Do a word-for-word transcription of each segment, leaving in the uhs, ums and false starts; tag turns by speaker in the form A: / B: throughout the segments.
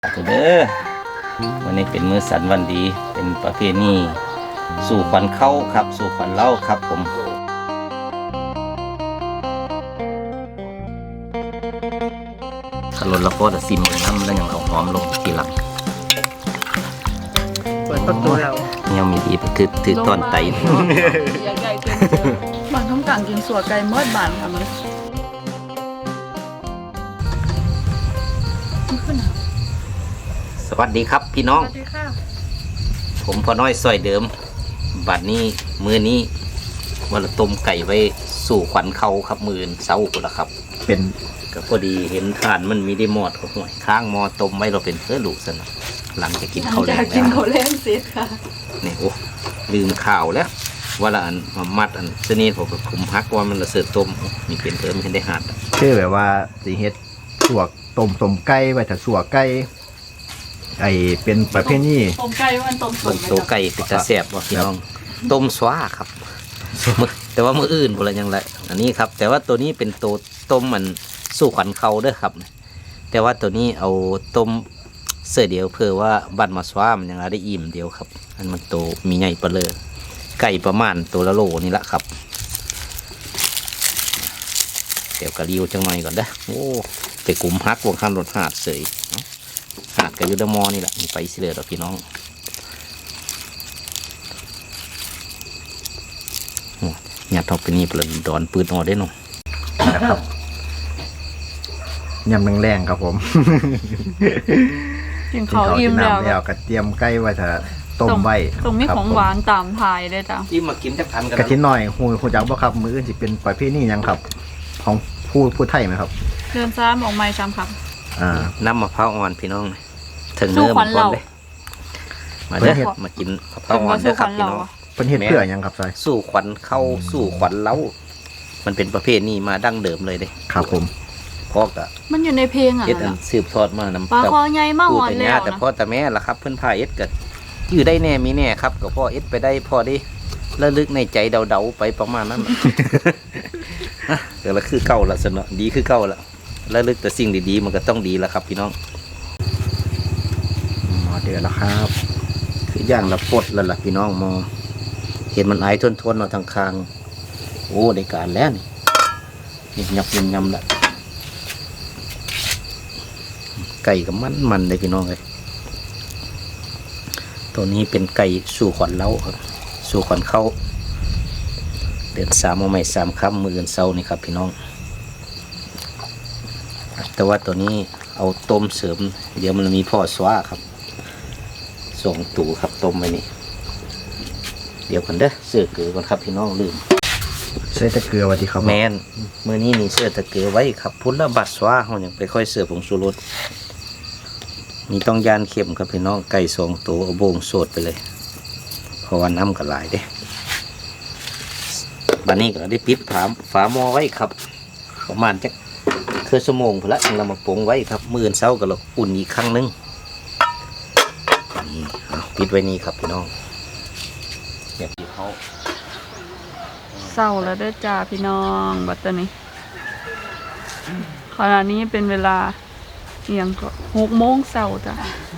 A: เด้อวันนี้เป็นมื้อสันวันดีเป็นประเพณีสู่ขวัญเข้าครับสู่ขวัญเล่าครับผมขลุ่นละโคตรซิมน้ำแล้วยังเอาหอมลงทีหลัง
B: เปิดประตูเรา
A: ยังมีดีถือถือต้นไต
C: อยากไก่เกินเจอบางท้องกลางกินสัวไก่เมื่อบานค่ะมัน
A: สวัสดีครับพี่น้อง
C: สวัสดีค่ะ
A: ผมพ่อน้อยซอยเดิมบัดนี้มือนี้วันต้มไก่ไว้สู่ขวัญเขาครับมือเสาร์ละครับเป็นก็พอดีเห็นทานมันมีได้หมอดก็ห่วยข้างหมอต้มไว้เราเป็นเพื่อลูกสนะหลังจะกินข้าวแล้
C: วกินข้าวแรงเสร็จค่ะ
A: นี่โอ้ลืมข่าวแล้วว่าละอันมามัดอันเสน่ห์ผมก็คุมพักว่ามันละเสือต้มมีเป็นเพิ่มขึ้นได้หัด
B: คือแบบว่าสีเฮ็ดสวกต้มต้มไก่ไว้ถ้าสวกไก่ไอเป็นประเภทนี้
C: ต้มไก่มันต้ม
A: ต้มตัวไก่เป็นตาแซ่บว่ะพี่น้องต้มสวาครับแต่ว่ามืออื่นบ่ละยังไรอันนี้ครับแต่ว่าตัวนี้เป็นตัวต้มมันสู่ขวัญเขาเด้อครับแต่ว่าตัวนี้เอาต้มเสือเดียวเพื่อว่าบันมาสวามันยังได้อิ่มเดียวครับอันมันโตมีใหญ่เปลือไก่ประมาณตัวละโลนี่แหละครับเดี๋ยวกระดิวจังหน่อยก่อนเด้อโอ้ไปกลุ่มฮักวงข้ามรถหาดเสยหาดกับยูดมอนี่แหละไปสิเลยเราพี่น้องหยาดทอกไปนี่เปลือนดอนปืนออได้หน่อย
B: นะครับยำแรงๆครับผม
C: กินข้าวอิ่มแล้ว
B: แล้วกระเทียมไก่ไว้ถ้าต้มไว้
C: ตรงนี้ของหวานตามทายได้จ้ะ
A: อิ่มมากินจักทันกัน
B: กระทินหน่อยหูหูจักบ่ครับมืออื่นสิเป็นประเภทนี้ยังครับของผู้ผู้ไทยไหมครับ
C: เดินซ้ำออกไม้ช้ำครับ
B: อ่า
A: น้ำมะพร้าวอ่อนพี่น้องถึงเนื้อมันก่อนเลยมาเด้อมากินมะพร้าวอ่อนเด้อครับพี่น้อง
B: เป็นเห็ดเพื่อยังครับใช่
A: สู่ขวัญเข้าสู่ขวัญเล้ามันเป็นประเภทนี้มาดั้งเดิมเลยเด้
B: ครับผม
A: พ่อกะ
C: มันอยู่ในเพลงอ่ะ
A: เอ็ดอันสืบทอดมาน้ำ
C: ปลาคอใหญ่มากอ่อน
A: เลยแต่พ่อแต่แม่ละครับเพื่อนพาเอ็ดกัอยู่ได้แน่มีแน่ครับกับพ่อเอ็ดไปได้พ่อได้ระลึกในใจเดาๆไปประมาณนั้นเดี๋ยวละคือเก่าละสนอดีคือเก่าละระลึกแต่สิ่งดีๆมันก็ต้องดีละครับพี่น้อง
B: หมอเดือดแล้วครับ
A: คือย่างละปดแล้วล่ะพี่น้องมอเห็นมันไอทนๆเนาะทางคางโอ้ได้การแล้วนี่นี่ยับยำยำละไก่กับมันมันเลยพี่น้องเลยตัวนี้เป็นไก่สู่ขวัญเล้าครับสู่ขวัญเข้าเดือนสามเอาใหม่สามค่ำมือเดือนเสาร์นี่ครับพี่น้องแต่ว่าตัวนี้เอาต้มเสริมเดี๋ยวมันมีพ่อสวาครับสองตู่ครับต้มไว้นี่เดี๋ยวกันเด้อเสื้อเกลือก่อนครับพี่น้องลืม
B: ใส่ตะเกียบไว้ที่ครับ
A: แมนเมื่อนี้นี่เสื้อตะเกียบไว้ครับพุทธบัตรสวาเขาอย่างไปค่อยเสื้อผงชูรสมีต้องยานเข็มครับพี่น้องไก่สองตัวเอาโบงโสดไปเลยเพราะว่าน้ำก็หลายเด้บัดนี้ก็ได้ปิดฝาฝาหม้อไว้ครับประมาณจักเครื่องชั่วโมงพอละเรามาปรุงไว้ครับมื้อเช้าก็เราอุ่นอีกครั้งนึงนี่ปิดไว้นี่ครับพี่น้องแบบที่เขา
C: เศร้าแล้วเด้อจ้าพี่น้องบัดตรนี้ขณะนี้เป็นเวลาเอียงก็หกโมงเช้าจ้ะ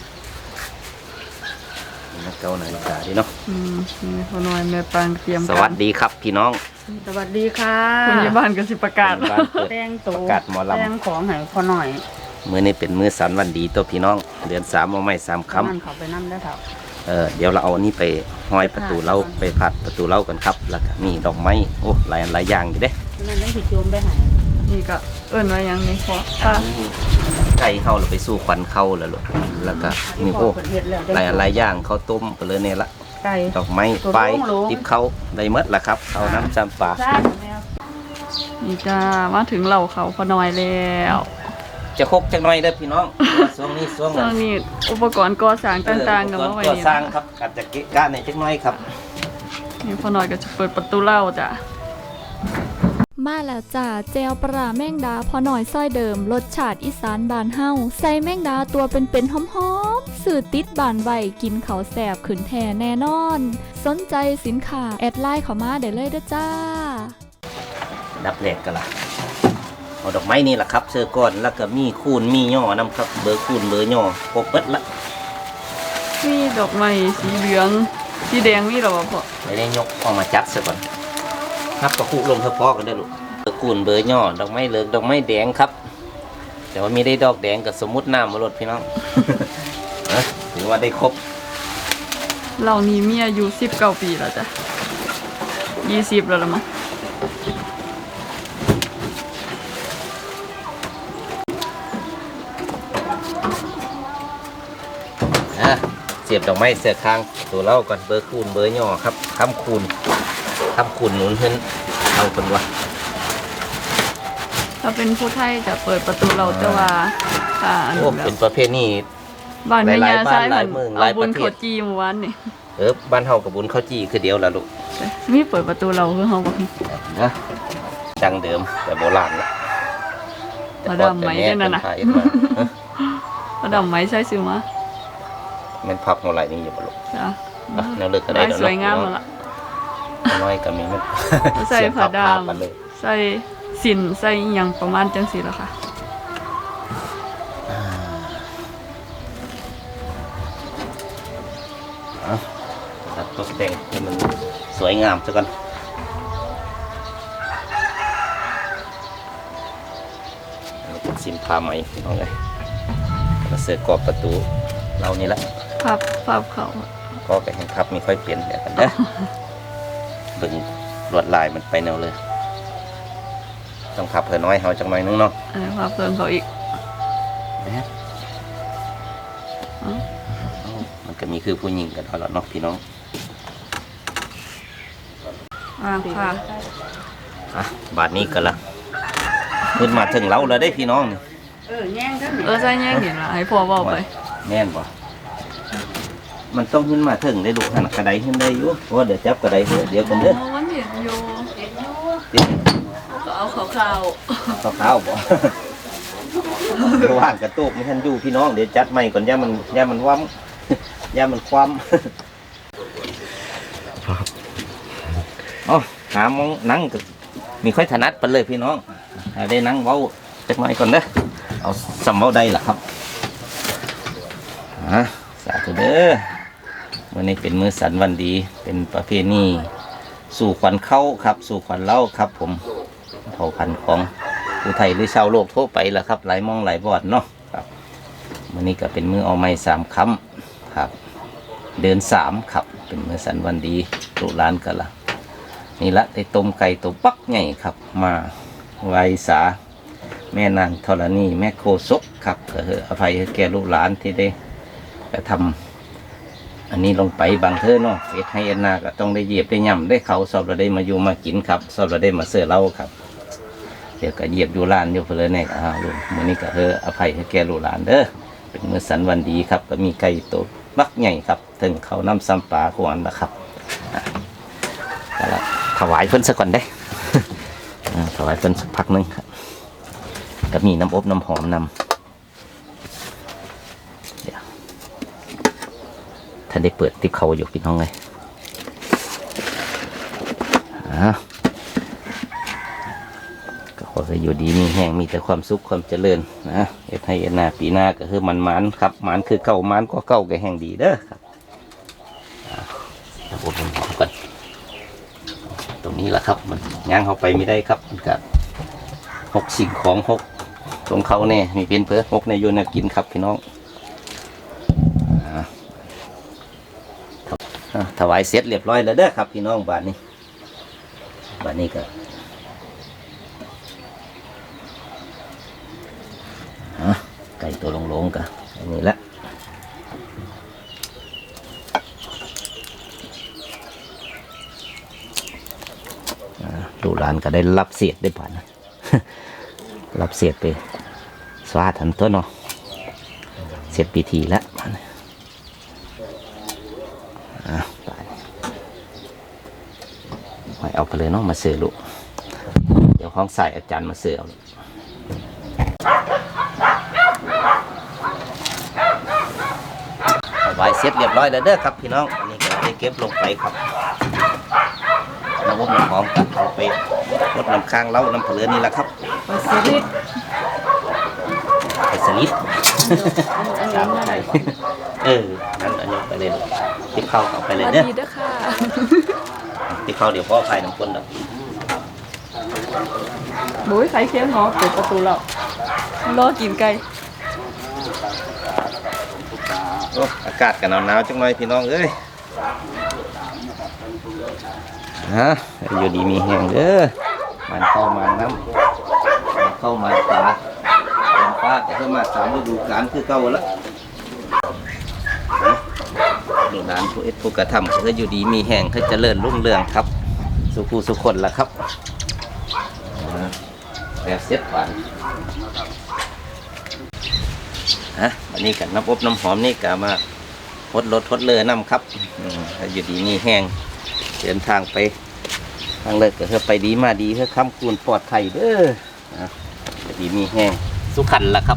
A: เก้านาฬิกาดีเนาะ
C: อืมนี่พ่อน้อยแม่ปางเตรียม
A: สวัสดีครับพี่น้อง
C: สวัสดีค่ะคุณยายบ้านก็สิประกาศ
A: แป้งตัวประกาศหมอลำ
C: แป้งของให้พ่อน้อย
A: มื้อนี้เป็นมื้อสันวันดีตัวพี่น้องเดือนสามเอาไม่สามคำ
C: มันเขาไปนั่นได้เถอะ
A: เออเดี๋ยวเราเอาอันนี้ไปห้อยประตูเล้าไปผัดประตูเล้ากันครับแล้วก็มีดอกไม้โอ้หลายหลายอย่างอยู่เด้
C: นั่นได้ผิดโยมไปไหนนี่ก็เอิ้นว่าอย่างนี้เพราะ
A: ไก่เข้าเราไปสู้ควันเข้าแล้วลูกแล้วก็มีโอ้หลายหลายอย่างข้าวต้มไปเลยเนี่ยละดอกไม้ไฟติบเข้าได้เมดละครับเอาน้ำจำปา
C: นี่จ้ามาถึงเหล่าเขาพอน้อยแล้ว
A: จะคกจังน้อยเด้อพี่น้องช่วงนี้ช่วง
C: นี้อุปกรณ์ก่อสร้างต่างๆกับว่าไว้
A: ก่อสร้างครับอาจจะเกะกะในจังน้อยครับ
C: นี่พอน้อยก็จะเปิดประตูเล่าจ้ะ
D: มาแล้วจ้าเจลปลาแมงดาพอหน่อยซ้อยเดิมรสชาติอีสานบานเฮาใส่แมงดาตัวเป็นๆหอมๆสื่อติดบานไวกินเขาแสบขืนแท่แน่นอนสนใจสินค้าแอดไลน์เข้ามาได้เลยเด้อจ้า
A: ดับแรกกันละเอาดอกไม้นี่แหละครับเสื้อก้อนแล้วก็มีคูณมีย่อนํครับเบอร์คูณเบอร์ย่อครบเบิดละ
C: มีดอกไม้สีเหลืองสีแดงมีหรอพ่อ
A: ไม่ได้ยกออกมาจัดซะก่อนนับกระคุลงเฉพาะกันได้อลูกเบอร์คูณเบอร์ย่อดอกไม้เหลืองดอกไม้แดงครับแต่ว่ามีได้ดอกแดงกับสมมุติน้ำมาลดพี่น้อง นะถือว่าได้ครบ
C: เรานี่มีอายุสิบเก้าปีแล้วจ้ะยี่สิบแล้วละมั้ง
A: อ่ะเสียบดอกไม้เสือคางตัวเล่าก่อนเบอร์คูณเบอร์ย่อครับคำคูณคำคูณหนุนขึ้นเอาคนวะ
C: ถ้าเป็นผู้ไทยจะเปิดประตูเราแต่ว่าอ่าอัน
A: โอ้
C: แบ
A: เป็
C: บ
A: นประเภทนี้
C: บ้านแม่ยา
A: หลายๆบ้าน
C: ซ้าย
A: ห
C: เห
A: ลา
C: มื
A: ย
C: อน
A: เมืองห
C: เอา
A: ลาย
C: บุญ
A: ประเทศ
C: เขาจีเมื่อวานนี่
A: เออบ้านเฮากับบุญข้าวจีคือเดียวละลูก
C: มีเปิดประตูเราคือเฮาบ่
A: นะดังเดิมแต่โบราณละ
C: มาดามไหมด้วยนั่นน่ะ
A: แต่ก่อแต่แม่เป็นพาเอ็ดมาฮะ
C: มาดามไหมใช่ซื้อมา
A: แมันพับเงาไหลนี่อยู่บ่ลูก
C: จ้ะ
A: อ่ะแนวเลิกก็ได้
C: ได้
A: แล้ว
C: สวยงามแล้วล่ะ
A: น้อยก็มีมัน
C: ใส่ผ้าดาม
A: เสียบกันเลย
C: ใส่สินใส่อิหยังประมาณจังซี่ล่ะค่ะ
A: อ่ะตัดตกแต่งให้มันสวยงามซะก่อนอันนี้เป็นสินผ้าไหมเอาไงมาเสือกรอบประตูเรานี่ละ
C: พับพับเขา
A: ก็ไปแห่งพับมีค่อยเปลี่ยนเดี๋ยวกันนะเบิ่งลวดลายมันไปแนวเลย ต้องพับเพื่อน้อยเฮาจังหน่อยนึงเนาะ
C: อันนี้พับเพิ่มเขาอีก
A: นะมันก็มีคือผู้หญิงกันเอาละเนาะพี่น้อง
C: อ่าค่ะ
A: อ่ะบาทนี้ก็ละขึ้นมาถึงเราแล้วได้พี่น้องนี่
C: เออใส่แย่งเห็นล่ะให้พ่อเว้าไป
A: แน่นบ่มันต้องขึ้นมาถึงได้ลูกหันกระไดขึ้นได้อยู่เพราะว่าเดี๋ยวจับกระไดเดี๋ยวเดี๋ยวกันเด้อ
C: โอ้มันเห็นอยู่เห็นอยู่
A: ติด
C: ก็เอาขาว
A: ขาวๆบ่ ว่างกระตุกไม่ทันอยู่พี่น้องเดี๋ยวจัดใหม่ก่อนย่ามันย่ามันว่ำ ย่ามันคว่ำ อ๋อหามองนั่งก็มีค่อยถนัดไปเลยพี่น้องให้ได้นั่งเว้าจักหน่อยก่อนเด้อเอาสำเว้าได้ล่ะครับอ่ะสาธุเด้อวันนี้เป็นมื้อสันวันดี เป็นประเพณีสู่ขวัญเข้าครับ สู่ขวัญเล่าครับ ผมเผ่าพันธุ์ของผู้ไทยหรือชาวโลกทั่วไปล่ะครับหลายมองหลายบอดเนาะครับวันนี้ก็เป็นมื้อเอาไม้สามคำครับ เดือนสามครับ เป็นมื้อสันวันดีตุลานกันละนี่ละได้ต้มไก่ตัวปักใหญ่ครับ มาไหวสาแม่นางธรณีแม่โคศกครับก็คืออภัยให้แก่ลูกหลานที่ได้กระทำอันนี้ลงไปบางเทอเนาะเอ็ดให้เอ็นนาก็ต้องได้เหยียบได้ย่ำได้เขาสอบเราได้มาอยู่มากินครับสอบเราได้มาเสือเล่าครับเดี๋ยวก็เหยียบอยู่ร้านอยู่เพลินแน่อ่าลูกมื้อนี้ก็เอออภัยให้แก่ลูกหลานเด้อเป็นมื้อสันวันดีครับก็มีไก่ตัวบักใหญ่ครับถึงเขาน้ำซ้ำปลาขวานนะครับอ่ะก็ละถวายเพิ่นสักก่อนได้ อ่าถวายเพิ่นสักพักหนึงครับก็มีน้ำอบน้ำหอมนำเดี๋ยวท่านได้เปิดติ๊บเขาอยู่พี่น้องเลยอ่าก็ขอให้อยู่ดีมีแห้งมีแต่ความสุขความเจริญนะเอ็ดให้เอ็ดหน้าปีหน้าก็คือมันมันครับมันคือเก่ามันก็เก่าก็แห้งดีเด้อครับอ่าน้ำอบน้ำหอมก่อนตรงนี้แหละครับมันย่างเข้าไปไม่ได้ครับมันก็หกสิ่งของหกของเขาเนี่ยมีเป็นเพื่อหกในโยนกินครับพี่น้องอ่าอ่าถวายเสร็จเรียบร้อยแล้วเด้อครับพี่น้องบ้านนี้บ้านนี้ก็อ่าไก่ตัวลงๆกันอันนี้แหละดูร้านก็ได้รับเสียดได้ผ่านนะ รับเสียดไปสวาทันตัวเนาะเสร็จพิธีแล้วอ่ะไปไว้เอาไปเลยเนาะมาเสือลูกเดี๋ยวห้องใส่อาจารย์มาเสือเอาไว้เสร็จเรียบร้อยแล้วเด้อครับพี่น้องอันนี้ก็ได้เก็บลงไปครับน้ำอบน้ำหอมกับเอาไปรดน้ำค้างเล้าน้ำเผลือนี่แหละครับ
C: ปลาสลิด
A: ไปสลิด
C: อัน
A: สาม
C: นี้
A: ไทยเออนั่นอันนี้ไปเลยติ๊บเข้าเอาไปเลย
C: สวัส
A: เด้อ
C: ดีเด้อค่ะ
A: ติ๊บเข้าเดี๋ยวพ่อไฟน้ำข้นแล้ว
C: โอ้ยไข่เค็มเนาะเปิดประตูแล้วรอกินไก่
A: โอ้อากาศกันหนาวๆจังหน่อยพี่น้องเอ้ยฮะอยู่ดีมีแห้งเด้อมันเข้ามาน้ำมันเข้ามาปลาลมฟ้าก็เข้ามาสามฤดูกาลคือเก่าแล้วดูร้านผู้เอ็ดผู้กระทำก็อยู่ดีมีแห้งก็เจริญรุ่งเรืองครับสุขูสุขคนละครับแบบเซ็ตหวานฮะวันนี้กันน้ำอบน้ำหอมนี่ก็มาทดรถทดเลยน้ำครับอืมอยู่ดีมีแห้งเดินทางไปทางเลิกก็เพื่อไปดีมาดีเพื่อค้ำคูณปลอดภัยเด้อนะอยู่ดีมีแห้งสุขันละครับ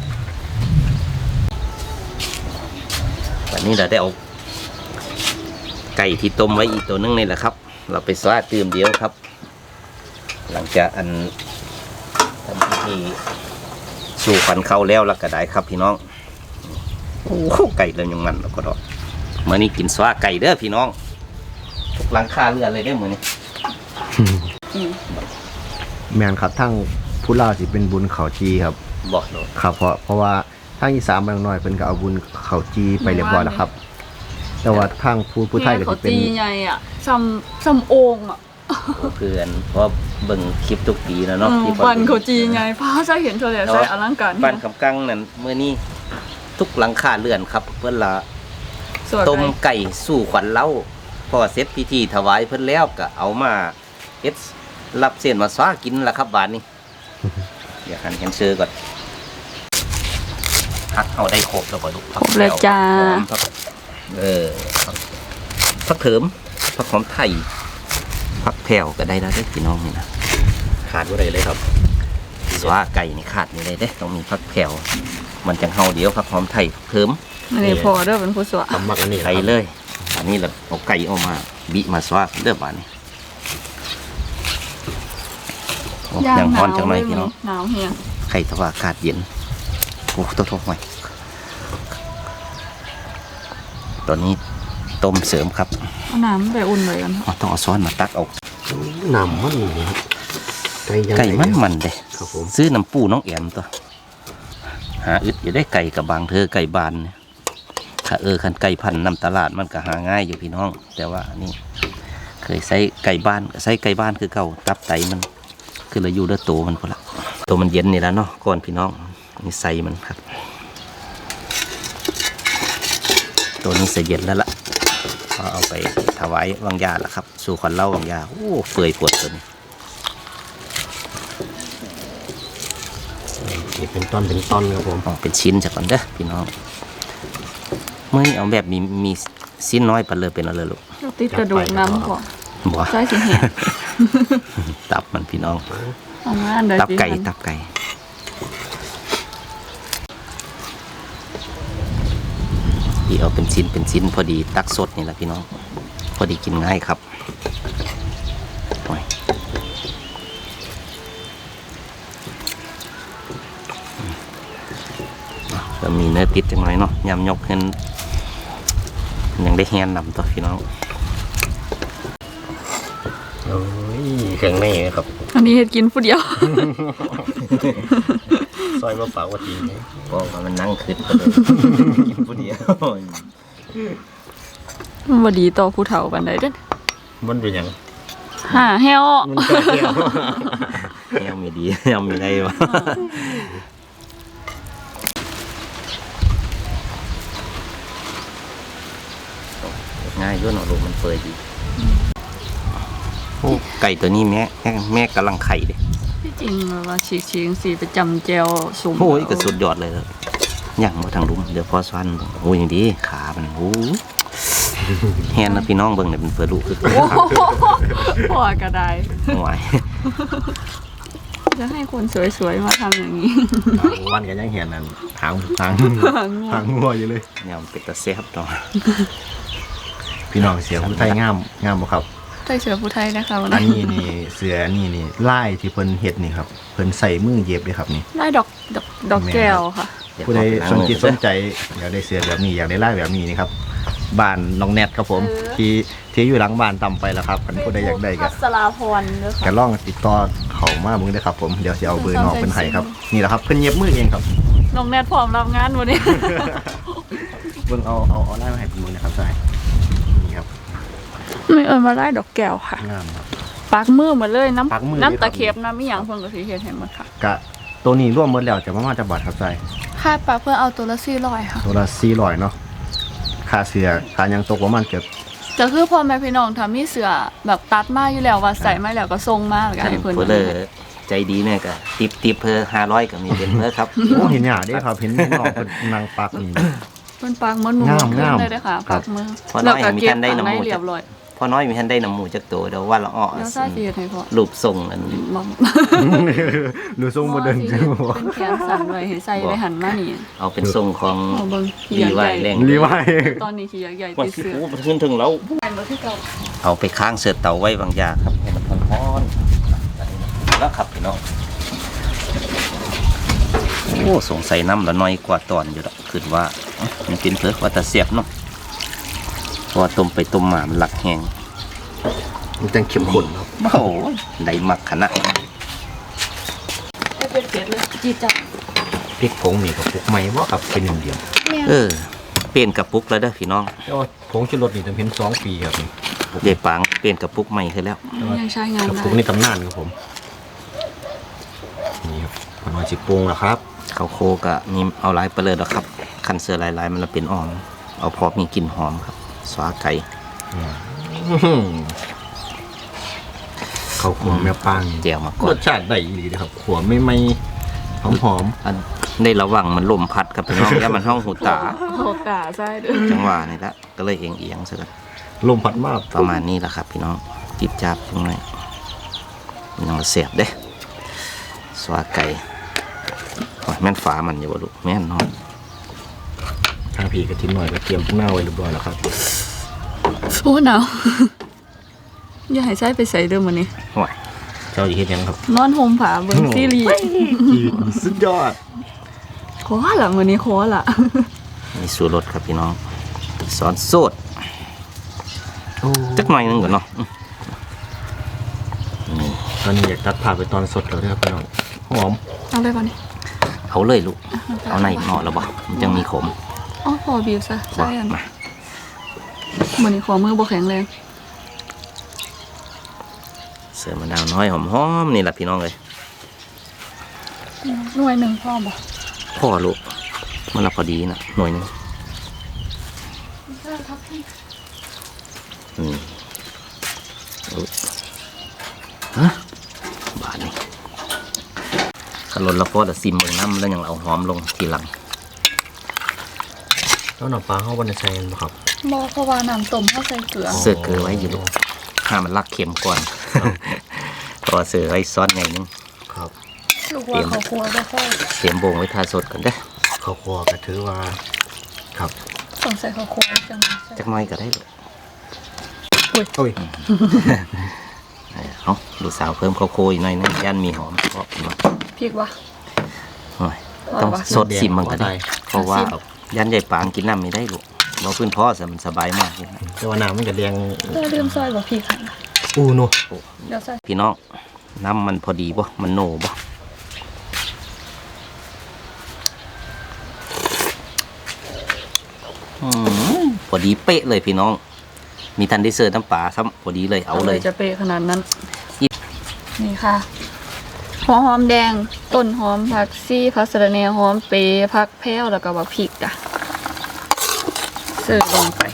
A: วันนี้เราได้เอาไก่ที่ต้มไว้อีกตัวนึงนี่แหละครับ เราไปสวาตื่มเดียวครับ หลังจากอันทำพิธีสู่ขวัญเข้าแล้วแล้วก็ได้ครับพี่น้องโอ้โหไก่เลยยังมันแล้วก็ดอกเมื่อนี้กินสวาไก่เด้อพี่น้องทุกหลังคาเรือนเลยได้อมือนี้
B: แมนครับทั้งผู้ลาวสิเป็นบุญเขาจีครับ
A: บอกเลย
B: ครับเพราะเพราะว่าทางอีสานบางน้อยเพิ่นก็เอาบุญเขาจีไปเรียบร้อยแล้วครับ แต่ว่าทางผู้ผู้ไทยก็
C: เขา
B: สิเป็น
C: จีใหญ่อ่ะซ้ำซ้ำโอ่งอ่ะ
A: เพื่อนเพราะเบิ่งคลิปทุกปีแล้วเนาะที่
C: ปันเขาจีใหญ่พาใส่เห็นเท่าไหร่ใส่อลังการ
A: บ้านคำกังนั่นเมื่อนี้ทุกหลังคาเรือนครับ เพื่อนละ
C: สวย
A: ต้ม
C: ไก่
A: ไก่สู่ขวัญเล้าพอเสร็จพิธีถวายเพิ่นแล้วก็เอามาเฮ็ดรับเส้นมาสวากินละครับบาดนี้ อยากหันเห็นเชื่อก่อนพักเอาได้ครบแล้วก็ลูก
C: ครบเลยจ้า
A: หอมผักเออผักเถิมผักหอมไทยผักแผ่วก็ได้แล้วเด้อพี่น้องนี่นะขาดบ่ได้เลยครับสวาไก่นี่ขาดนี่เลยเด้ต้องมีผักแผ่วมันจังเฮาเดียวผักหอมไทยเถิม
C: อันนี้พอเด้อเป็นผู้สวย
B: ทำมักอันนี้
A: ไก่เลย อันนี้เราเอาไก่ออกมาบิมาสวาเด้อบาดนี้โอ้ยังร้อนจังเลยพี่น้อง
C: หนาวเฮีย
A: ไข่ทว่าอากาศเย็นโอ้ตัวทกหน่อยตอนนี้ต้มเสริมครับ
C: เอาน้ำไปอุ่นไว้กัน
A: อ๋อต้องเอาซ้อนมาตักเอา
B: น้ำมันนี่ครับไก่ยัง
A: ไก่มันมันเด้
B: ครับผม
A: ซื้อน้ำปูน้องแอมตัวหาอึดอยู่ได้ไก่กับบางเธอไก่บานเนี่ยถ้าเออคันไก่พันธุ์นำตลาดมันก็หาง่ายอยู่พี่น้อง แต่ว่านี่เคยใช้ไก่บ้านใช้ไก่บ้านคือเก่าตับไตมันคือเราอยู่ด้วยตัวมันพอละตัวมันเย็นนี่แล้วเนาะก่อนพี่น้องนี่ใส่มันครับ ตัวนี้เสียเย็นแล้วล่ะก็เอาไปถวายวังยาละครับ สู่ขวัญเล่าวังยาโอ้เปื่อยปวดตัวนี้
B: นี่เป็นต้นเป็นต้นครับผม
A: อ๋อเป็นชิ้นจากก่อนเด้อพี่น้องเมื่อนี้เอาแบบมีมีชิ้นน้อยไปเลยเป็นอะไรลูก
C: ติดกระดูกน้ำก่อน
A: บัว
C: ใส่สิแห้ง
A: ตับมันพี่น้อง
C: เอามาอันใด
A: ตับไก่
C: สิหั่น
A: ตับไก่ที่เอาเป็นชิ้นเป็นชิ้นพอดีตักสดนี่แหละพี่น้องพอดีกินง่ายครับโอ้ยก็มีเนื้อติดจังไรเนาะยำยกเห็นยังได้แฮนนำตัวพี่น้อง
B: โอ้ยเครื่องในครับ
C: อันนี้เฮ็ดกินผู้เดียว
B: ซอยมะพร้าวว่าจริง
A: ก็ว่ามันนั่งคืดไปเลยกินผู้เดียว
C: มันบ่ดีต่อผู้เฒ่าปานใดเด้อ
B: มันเป็นยัง
C: หาแฮว
B: มันเกี่ยว
A: ยังไม่ดียังไม่ได้วะง่ายด้วยเนาะลูกมันเปิดดีโอ้ไก่ตัวนี้แม่แม่แม่กำลังไข่เลย
C: ที่จริงแบบว่าฉีกๆจังซี่ไปจำแจวสุ่ม
A: โอ้ยกระสุดยอดเลยครับย่างมาทางลุมเดี๋ยวพอซ้อนโอ้ยอย่างดีขามันโอ้แฮนนะพี่น้องเบิ่งเนี่ยเป็นเปิดลูกคือ
C: โอ้โหพอก็ได้
A: หวาย
C: จะให้คนสวยๆมาทำอย่างนี้
B: วันกันยังเห็นนั่นทางทางทางงัวอยู่เลย
A: เนี่ยมันเป็นตะเสียบต่อ
B: พี่น้องเสียงผู้ไทยงามงามบ่ครับ
C: ใส่เสื้อผู้ไทยนะคะวัน
B: อัน
C: นี้
B: นี้นี่เสือนี่นี่ไล่ที่เพิ่นเฮ็ดนี่ครับเพิ่นใส่มือเย็บเลยครับนี่
C: ได้ดอกดอกดอกแก้วค่ะ
A: เยว
B: ผู้ใด
A: ขอไปล้าง
B: สนจิต
A: มือ
B: สนใจอยากได้เสือแบบนี้อยากได้ไล่แบบนี้นี่ครับบ้านน้องแนทครับผม
C: เออ
B: ที่ที่อยู่หลังบ้านต่ำไปแล้วครับคันผู้ใดอยากได้ก็
C: พัสราพรเด้อ
B: ก็
C: ค่ะ
B: ลองติดต่อเขามาเบิ่งได้อครับผมเดี๋ยวสิเอาเบอร์น้องเพิ่นให้ครับนี่แหละครับเพิ่นเย็บมือเองครับ
C: น้องแนทพร้อมรับงานวันนี้
B: เบิ่งเอาเอาเอาไล่มาให้ผมมือนะครับใช่นี่ครับ
C: ไม่เอิญมาได้ดอกแก้วค่ะ
B: งามครับ
C: ปักมือหมดเลยน้
B: ปักมือ
C: ำ
B: เลยครับ
C: น้ำตะเข็บน้ำมีหยังเพิ่นก็สิเฮ็ดให้หมดค่ะ
B: กะตัวนี้ร่วมหมดแล้วจะประมาณจะบาทครับใช่
C: ค่าปักเพื่อเอาตัวละสี่ร้อยค่ะ
B: ตัวละสี่ร้อยเนาะค่าเสือค่ายังตกประมาณเกือบ
C: ก็คือพ่อแม่พี่น้องถ้ามีเสื้อแบบตัดมาอยู่แล้วว่าใส่มาแล้วก็ส่งมาแล้วก็
A: ท่าน
C: ให้เพิ่น
A: เพื่อเลยใจดีเนี่ยก็ติปติปเพื่อห้าร้อยก็มีเป็นเพื่อครับ
B: โอ้เห็นหยาได้ครับเห็นน้องเป็นนางปักนี่
C: เพิ่นปักมันหนู
B: งาม
C: ขึ้น
B: งาม
C: เลยเด้อค่ะ
B: ครั
C: ปั
B: บ
C: กมือ
A: พอน้อยมีท่านได้
C: แล้วก็
A: น้ำมูก
C: เก็บข้างในเรียบร้อย
A: พอน้อยมีท่านได้น้ำหมูจากตัวเดี๋ยวว่าละอ้อ
C: แล้วซ่าสิเฮ็ดให้พ่อ
A: รูปทรงอัน
C: บ่
B: หรือทรงโมเดิร์นจังบ่
C: เป็นแขนสั่นไว้ให้ใส่ไว้หันมานี่
A: เอาเป็นทรงของ
C: เอาเบิ่งขี้
A: รี
C: ยักษ์
A: ไว
C: ใหญ่
A: แรง
B: รีไว
C: ตอนนี้ขี้ยักษ์ใหญ่
A: ว่า
C: ติด
A: สิ
C: เสื้อ
A: โอ้มันขึ้นถึงแล้ว
C: แม่นบ่คือเก่า
A: เอาไปค้างเสือเต่าไว้บางอย่างครับให้มันร้อนๆแล้วครับพี่น้องโอ้สงสัยน้ำละน้อยกว่าตอนอยู่แล้วคือว่ามันเป็นเพื่อว่าแต่เสียบเนาะเพราะว่าต้มไปต้มมามันหลักแห้ง
B: มันจังเข้มข้นครับ
A: โอ้โหได้มักขนาด
C: ให้เป็นเป็ดเลยจีจับ
B: พริกผงนี่กับพวกไม้บ่ครับเป็นหนึ่งเดียว
C: แม่
A: เออเปลี่ยนกระปุกแล้วเด้อพี่น้อง
B: แต่ว่าผงชูรสนี่จำเป็นสองปีครับนี่
A: เดี๋ยวปางเปลี่ยนกระปุกใหม่ขึ้นแล้ว
C: ยังใช้งาน
B: กับ
C: ได้
B: ผงนี่ตำนานครับผมนี่ครับพอน้อยสิปรุงแล้วครับ
A: ข้าวโคกะมีเอาหลายไปเลยแล้วครับคันเสือหลายๆมันละเป็นอ่อมเอาพอมีกลิ่นหอมครับสวาไก่
B: ข้าวขัวแม่ปัง
A: เจียวมาก่อ
B: ร
A: น
B: สชาติได้ดีนะครับขัวไม่ไม่หอมหอม
A: อันได้ระวังมันลมพัดครับพี่น้องอย่ามันห้องหูตา
C: โหกาใช่เด้อ
A: จังหวะนี่ละก็เลยเอียงเอียงๆซะกัน
B: ลมพัดมาก
A: ประมาณนี้แหละครับ พี่น้องจิบจับตรงไหนมันยังเสียบเด้สวาไก่โอ้ยแม่นฝามันอยู่บ่ลูกแม่นเนาะ
B: ทางผีกระทิ้นหน่อยก็เตรียมพวกหน้าไว้เรียบร้อยแล้วครับ
C: โอ้หนาวอย่าให้ใช้ไปใส่เด้อมื้อนี้
A: โอ้ยเจ้าอีเฮ็ดหยังครับ
C: นอนห่มผ้าเบิ่งซีรีส์
B: สุดยอด
C: ขอละมื้อนี้ขอละ
A: มีสูตรรสครับพี่น้องสอนโซดจักหน่อยหนึงก่อนเนาะอืมนี่
B: ตอนนี้อยากตัดผ่าไปตอนสดแล้วนะครับพี่น้องหอม
C: เอาเลยป่ะนี่
A: เอาเลยลูกเอาในเหมาะแล้วบ่มันยังมีขม
C: อ๋อพอบีบซะ
A: บ่
C: ใช่อัน
A: มา
C: มื้อนี้ขอมือบ่แข็งแรง
A: เสือมะนาวน้อยหอมๆนี่แหละพี่น้องเลย
C: หน่วยหนึงพอบ่
A: พ่อลูกมันละพอดีนะหน่วยหนึงอืมอุ๊ยฮะบาทนี่ขลนละพอแต่ซิมเมืองน้ำแล้วยังเอาหอมลงทีหลัง
B: แล้วน้ำปลาเข้าวันในใส่กันบ่ครับ
C: บ่เพราะว่าน้ำต้มเฮาใส่เกลือ
A: เสือเกลือไว้อยู่ลูกห้ามมันลักเค็มก่อนเพราะว่าเสือไว้ซอสไงนึง
B: ครับ
C: ลูกว่าเขาครัวบ่ค่อย
A: เตรียมโบงไว้ทาสดก่อนเด้อ
B: ข้าวคั่วก็ถือว่าครับ
C: ต้องใส่ข้าวคั่วจังใส่
A: จักหน้อยก็ได้ลูก
B: โอ้ย
A: เอาลูกสาวเพิ่มข้าวโพดอีกหน่อยนึงย่านมีหอมเพราะว่า
C: พริกวะ
A: โอ้ยต้องสดซิมมันก็ได้ เพราะว่าย่านใหญ่ปางกินน้ำไม่ได้ลูกเราพื้นพ่อสมันสบายมากเลยนะ
B: แต่ว่าน้ำมันจะแดง
C: เราลืมซอยบ่พริกค่ะ
B: อู้โน
C: เดี๋ยวใส่
A: พี่น้องน้ำมันพอดีบ่มันโหนบ่อืมพอดีเป๊ะเลยพี่น้อง มีทันได้เสิร์ฟน้ำปลาซ้ำพอดีเลยเอาเลย
C: จะเปะขนาดนั้น นี่ค่ะหัวหอมแดงต้นหอมผักซี่ผักสะระแหน่หอมเปรย์ผักแพ้วแล้วก็บักพริกจ้ะเสิร์ฟลงไป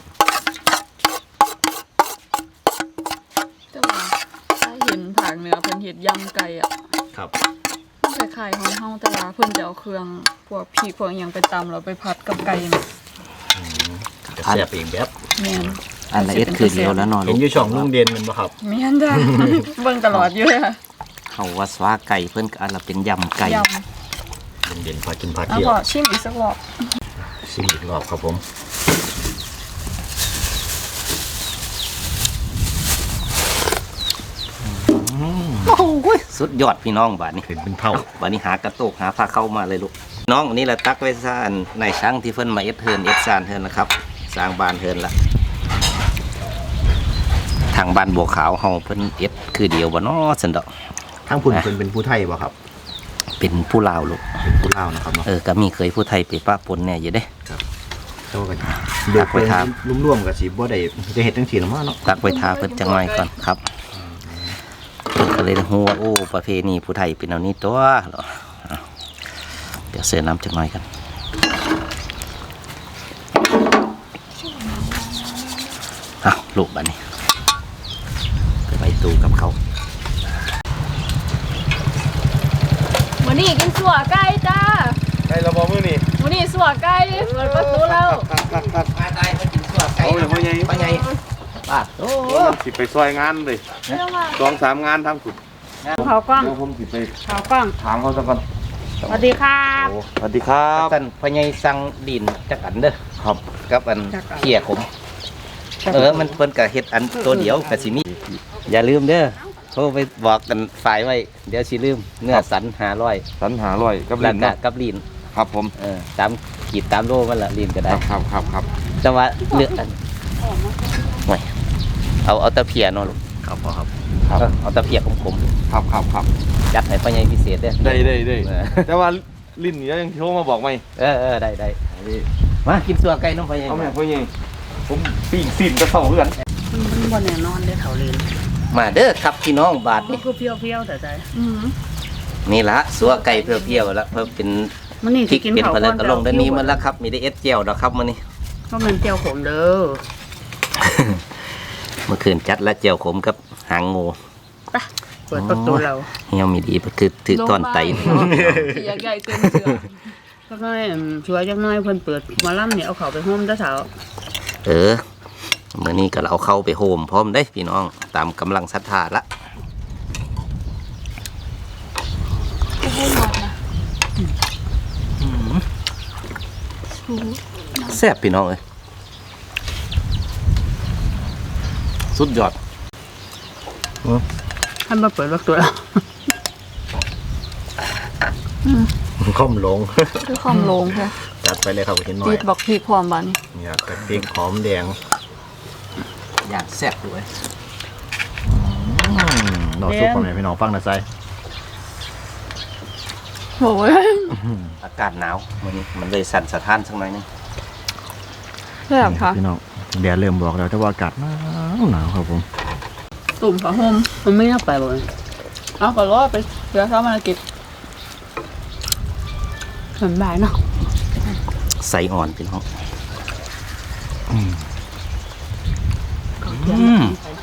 C: แต่ว่าถ้าเห็นผักเนื้อเพิ่นเฮ็ดยำไก่อ่ะ
B: ครับ
C: มันคล้ายๆของเฮาแต่ว่าเพิ่นจะเอาเครื่องพวกพริกพวกอหยังไปตำแล้วไปผัดกับไก่น่ะ
B: จะแซ่บอีกแบบ
C: แม่น
A: อันละเอียดคือเดียวแล้วเนอน
B: เห็นอยู่ช่องลุงเด่นแมันบ่ครับ
C: แม่นจ้ะ เบิ่งตลอดอยู่เลยค่ะ
A: เขาว่าสวาไก่เพิ่นก็อันละเป็นยำไก่
C: ย
B: ลุงเด่นพากินพา
C: ำเอา
B: เที่ยว
C: พอชิมอีกสักรอบ
B: ชิมอีกรอบครับผม
A: โอ้ยสุดยอดพี่น้องบาดนี้
B: เห็นเป็นเท่า
A: บาดนี้หากระโตกหาผ้าเข้ามาเลยลูกน้องอันนี้แหละตักไว้ซ่านในช่างที่เพิ่นมาเอ็ดเทิร์นเอ็ดซานเทิร์นนะครับสร้างบ้านเทิร์นละทางบ้านบัวขาวเฮาเพิ่นเอ็ดคือเดียวบ่เนาะสันดอก
B: ทั้งพุ่นเพิ่นเป็นผู้ไทยบ่ครับ
A: เป็นผู้ลาวลูก
B: เป็นผู้ลาวนะครับเนาะ
A: เออก็มีเคยผู้ไทยไปป้าปนแน่อยู่เด้
B: เท่ากันเดือดไปทางร่วมๆกับสีบ่ได้จะเห็ดจังสีละมั้งเนาะ
A: ตักไปทาเพิ่นจังหน่อยก่อนครับเพิ่นก็เลยฮู้ว่าโอ้ประเพณีผู้ไทยเป็นแนวนี้ตัวเหรอเอาเดี๋ยวเสิร์ฟน้ำจังหน่อยกันเอาลูกบัดนี้ไปไว้ตู้กับเขา
C: วันนี้กินสัวไก่จ้า
E: ไก่ระบอมือนี่
C: วันนี้สัวไก่เปิดประตูแล้ว
A: มาตายมากินสัวไก่
E: เอาเลยพ่อใหญ่
A: พ่อใหญ่บาดโอ้
E: มันสิไปซอยงานเลยสองสามงานทั้งสุด
F: เขากล้อง
E: เดี๋ยวผมสิไป
F: เขากล้อง
E: ถามเขาสักก่อน
F: สวัสดีครับ
E: โอ้สวัสดีครับ
A: ท่านพ่อใหญ่สั่งดินจักอันเด้อ
E: ครับ
A: กับอันเขี่ยขมเออมันเพิ่นก็เฮ็ดอันตัวเดียวก็สิมีอย่าลืมเด้อโทรไปบอกกันฝ่ายไว้เดี๋ยวสิลืมเนื้อสันห้าร้อย
E: สันหาร้อยกับ
A: แล้
E: ลิ้
A: วน ก็
E: เนาะ
A: กับลีน
E: ครับผม
A: เออตามขีดตามโลมันละลีนก็
E: ค
A: ได้
E: รับครับครับครับ
A: แต่ว่าเลือกอันไว้เอาเอาตะเพียเนาะลูก
B: ครับพ่อครับ
E: ครับ
A: เออเอาตะเพียขม
E: ครับครับครับ
A: ๆจัดให้พ่อใหญ่พิเศษเด้อ
E: ได้ได้ได้
A: เออ
E: แต่ว่าลิ้นนี่ยังโทรมาบอกไหม
A: เออเออได้ได้มากินสัวไก่น้องพ่อใหญ่
E: เอาแม่พ่อใหญ่ผมปีกสิ้นกระเท่าเพื่อน
F: มันมันบนแน่นอนเด้อเขาเลน
A: มาเด้อครับพี่น้องบาท
F: มัน
A: นี่
F: คือเปรี้ยวๆแต่ใจ
C: อืม
A: นี่ละสัวไก่เพียวๆแล้วเพิ่มเป็น
F: มันนี่
A: พริ
F: สิ
A: ก
F: กิน
A: เป็น
F: เขา
A: พะ
F: ก่
A: เล
F: อน
A: กระลงด้านนี้มันแล้วครับมีได้เอสเจียวดอกครับมื้อนี้
F: เพราะมันเจียวขมเด้อ
A: เมื่อคืนจัดและเจียวขมกับหางงู
F: ไปเปิดประตูเรา
A: เฮียมีดีคือถือต้อนไต
C: เสียใหญ่เกินเสือ
F: ก็น้อยช่วยจักหน้อยเพิ่นเปิดหมาล่ำเนี่ยเอาเขาไปห้มเด้อเถา
A: เออมื้อนี้ก็เอาเข้าไปโฮมพร้อมได้พี่น้องตามกำลังศรัทธาละแซ่บพี่น้องเอ้ยสุดยอด
F: ท่านมาเปิดประตูเรา
B: ค่อมลง
C: คือความโลงค่ะ
B: จัดไปเลยครับเห็นหน่อ
C: จี
B: ย
C: ดบอกพริกความบัน
B: เนี่ยกระเทียมหอมแดง
A: อย่างแซ่บด้วย
B: ดอกซุปของแม่พี่น้องฟังนะไซ
C: โอ้ย
A: อากาศหนาวมื้อนี้มันเลยสั่นสะท้านสักหน่อยนึง
C: แซ่บค่ะ
B: พี่น้องแดดเริ่มบอกแล้วแต่ว่าอากาศหนาวหนาวครับผม
C: ตุ่มผ้าห่ม
F: มันไม่น่าไปบ่เลย
C: เอาก็รอไปเดี๋ยวเขามากิน
F: สบายเนาะ
A: ใสอ่อนพี่น้อง
F: อืม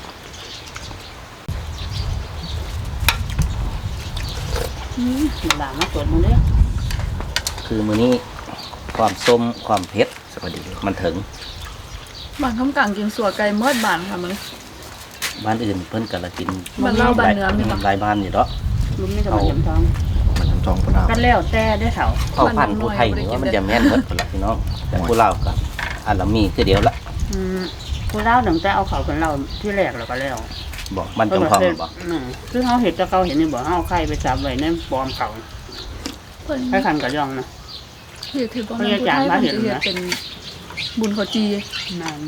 F: หลานมาตรวจมึงเด้อ
A: คือมื้อนี้ความส้มความเผ็ดสวัสดีมันถึง
C: บ้านคำกลางกินสัวไก่เมื่อบานค่ะมึง
A: บ้านอื่นเพิ่นก็ละกิน
C: บ้านเราบ้านเหนือมีปะ
A: หลายบ้านอยู่เนาะ
F: ลุงนี่จะมาจำทอง
B: มันทั้งทองพนาว
F: กันแล้วแต่ได้อเถา
A: เผ่าพันธุ์ผู้ไทยนี่ว่ามันจะแม่นเบิดพุ่นละพี่น้องแต่ผู้ลาวก็อันละมีคือเดียวละ
F: อืมผู้เล่าหนังแต่เอาเขาเป็นเราที่แรกแล้วก็แล้ว
A: บอกมันจงทองบอก
F: อืมคือเขาเห็นจะเขาเห็นนี่บอกเขาเอาไข่ไปจับไว้ในปอมเขา
C: เพิ่น
F: ให้คันกับย่องนะ
C: เฮ็ดถือว่ามันผู้ไทยมันจะเฮ็ดเป็นบุญเขาจี
F: นั่น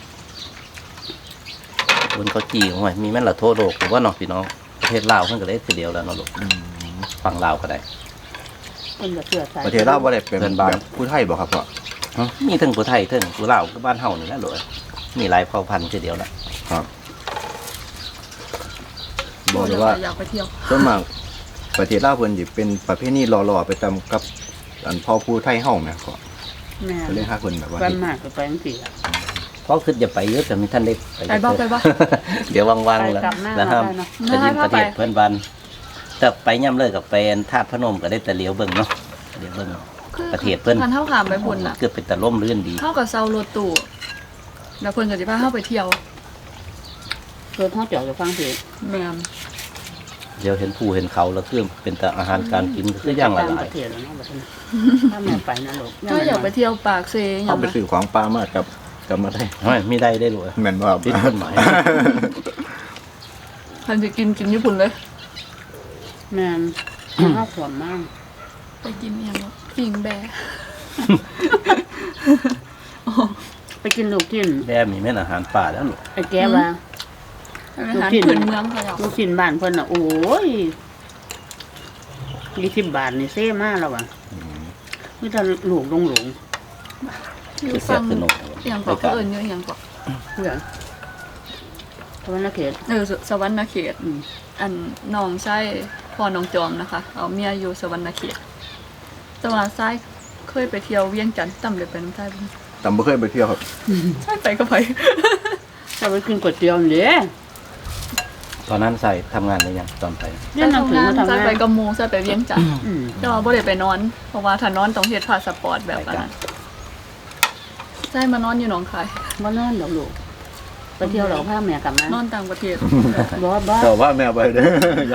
A: คนเขาจีโอ้ยมีแม่นละโทษโลกผมว่าเนาะพี่น้องประเทศลาวเพิ่นก็เลยคือเดียวแล้วเนาะลูกฝั่งลาวก็ได้
F: เป็นแบบเสือใส่
B: ประเทศลาวบ่ได้เป็น
A: เพื่อนบ้าน
B: แบบผู้ไทยบ่ครับพ่อ
A: ฮะมีทั้งผู้ไทยทั้งผู้ลาวก็บ้านเฮานี่แหละโลยมีหลายเผ่าพันธุ์คือเดียวละ
B: บอกเลยว่า
C: อยากไปเที่ยว
B: ส่วนมากประเทศลาวเพิ่นสิเป็นประเพณีหล่อๆไปตามกับอันพ่อผู้ไทยเฮาแม่พ่อ
F: แม่
B: ก็เลยหาเพิ่นแบบว่า
F: วันมากก็ไปอังกฤษอะ
A: เพราะคืออย่าไปเยอะแต่มีท่านได้
C: ไปบ่ไปบ่
A: เดี๋ยวว่างๆแล้ว
F: ไปกลับหน้า
A: แล้วห้าม
F: ได้เนาะ
A: ไปยินประเทศเพื่อนบ้านแต่ไปย่ำเลยกับเป็นธาตุพนมก็ได้แต่เลี้ยวเบิ่งเนาะเลี้ยวเบิ่ง ประเทศเพิ่น
C: คันเท่าขามไปพุ่นน่ะ
A: เกือบเป็นตะล่มลื่นดี
C: เท่ากับเซารถตู้แล้วเพิ่นก็สิพาเฮาไปเที่ยว
F: เกิดเขาเจาะจะฟังสิ
C: แม่น
A: เดี๋ยวเห็นภูเห็นเขาแล้วคือเป็นแต่อาหารการกินก็คืออย่างละ
F: ต่าง
A: หลา
F: ป
A: ย
F: ระเทศแล้วเนาะแบบนี้ถ้าแม่ไปนะลูก
C: ถ้าอยากไปเที่ยวปากเซอ
B: เอา
C: ย่าง
B: ไป
C: นะ
B: ซื้อของปลามากับกับมาได้
A: ไม่ไม่ได้ได้เลย
B: แม่นว่า
A: ผิดกฎหมาย
C: คันสิกินกินญี่ปุ่นเลย
F: แม่นข้าวขวมมาก
C: ไปกินอย่างว่าปิ่งแบะ
F: ไปกินลูกชิ้น
A: แบมีแม่นอาหารป่าแล้วลูก
F: ไอ้แก้ว่า
C: อาหารพื้นเมืองเขาเนาะ
F: ลูกชิ้นบ้านเพิ่นน่ะโอ้ยยี่สิบบาทนี่เซ่มากแล้วว่ะมีแต่หลวงลงหลง
C: อยู่
A: คือแซ่
C: ฟั
A: บ
C: ง
A: สนุก
C: อย่างบอกเขาเอิญอยู่อย่างบอก
F: เพื่อนทวันละเขต
C: เออสสวรรณเขต
F: อืม
C: อันน้องใช่พ่อน้องจอมนะคะ เอาเมียอยู่สวรรณเขตแต่ว่าใช่เคยไปเที่ยวเวียงจันทร์จำเลยไปน้ำใต้บ้าง
B: แต่ไม่เคยไปเที่ยวครับ
C: ใช่ไปก็ไป
F: ถ้าไปกินก๋วยเตี๋ยวนี่เด้
A: ตอนนั้นใส่ทำงานได้ยังตอนไป
F: เรียนหนังสือมาทำ
C: ใช่
F: งา
C: ไป
F: น
C: กับหมูใช่ไปเวียงจันทร์
F: อืม
C: แต่ว่าบ่ได้ไปนอน เพราะว่าถ้านอนต้องเฮ็ดพาสปอร์ตแบบนั้นใช่มานอนอยู่หนองคาย
F: บ่นอนดอกลูกไปเที่ยวเราพาแม่กลับมาน
C: อนต่างประเทศ
F: บ่บ่
B: แต่ว่าแมวไปเด้อ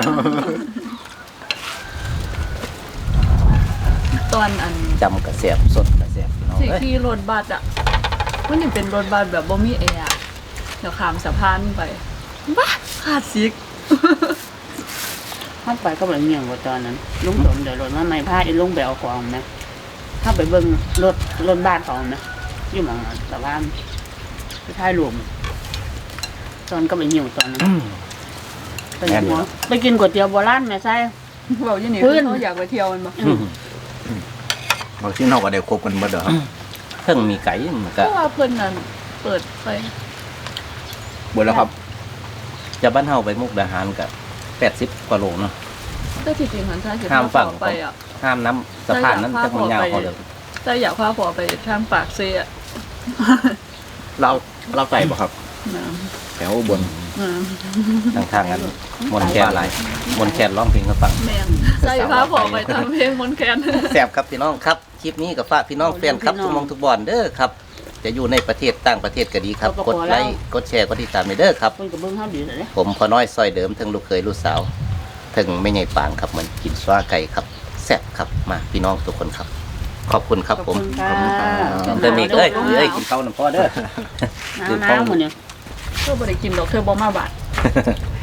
C: ตอนอัน
A: จำกระแสบสดกระแสบพี่น้อง
C: ที่
A: เอ้ย
C: ขี่รถบัสอ่ะมันยังเป็นรถบัสแบบบ่มีแอร์อะเดี๋ยวข้ามสะพานไปบ้าขาดซิก
F: เข้าไปก็แบบเงียบกว่าตอนนั้นลุงสมเดี๋ยวรถมาไม่พาไอ้ลุงไปเอาของนะถ้าไปเบิ่งรถรถบ้านเขานะอยู่หมองสะพานไปท้ายรวมตอนก็ไปหิวตอนนั้น
A: อืม
F: ไปกินหัวไปกินก๋วยเตี๋ยวโบราณแม่ไส้
C: เว้าอยู่นี่
F: พื้
C: คือน เขาอยากไปเที่ยวมันบ่
A: อืม
B: บางที่เราก็ได้ครบกันหมดเด้อครับ
A: เพิ่งมีไก่มัน
C: เพ
A: ก็
C: ราะว่าเพิ่นนั่นเปิดไป
B: หมดแล้วครับ
A: จะบ้านเฮาไปมุกดาหารกับแปดสิบกว่าโลเนาะ
C: แต่ที่จริงหันใช่สิ
A: ข้ามฝั่ง
C: ไปอ่ะ
A: ห้ามน้ำสะพานนั้นจะมันยาวเขาเลย
C: แต่อยากพาพ่อไปทางปากเซ่อะ
B: เราเราใส่ป่ะครับ
C: นะ
B: แถวอุบน
C: อืม
A: ทางทางนั้นมนต์แคนไรมนต์แคนร้องเพลงให้ฟัง
C: แม่นใส่พาพ่อไปทำเพลงมนต์แคน
A: แสบครับพี่น้องครับคลิปนี้กับฝากพี่น้องแฟนครับทุกหมองทุกบอนเด้อครับ จะอยู่ในประเทศต่างประเทศก็ดีครับ กดไลค์กดแชร์กดติดตามไปเด้อครับ
F: เพิ่นก็เบิ่งเฮาดีเลย
A: ผมพอน้อยซอยเดิมทั้งลูกเคยลูกสาวทั้งไม่ใหญ่ปางครับเหมือนกินสวาไก่ครับแซ่บครับมาพี่น้องทุกคนครับ ขอบคุณครับ
F: ขอบ
A: ผม
F: คุณค่ะ
A: เดิมอีกเอ้ยเอ้ยกินข้าวน้ำพ่อเด้อ
F: หนาวๆมื้อนี้
C: เธอบ่ได้กินดอกเธอบ่มาบาด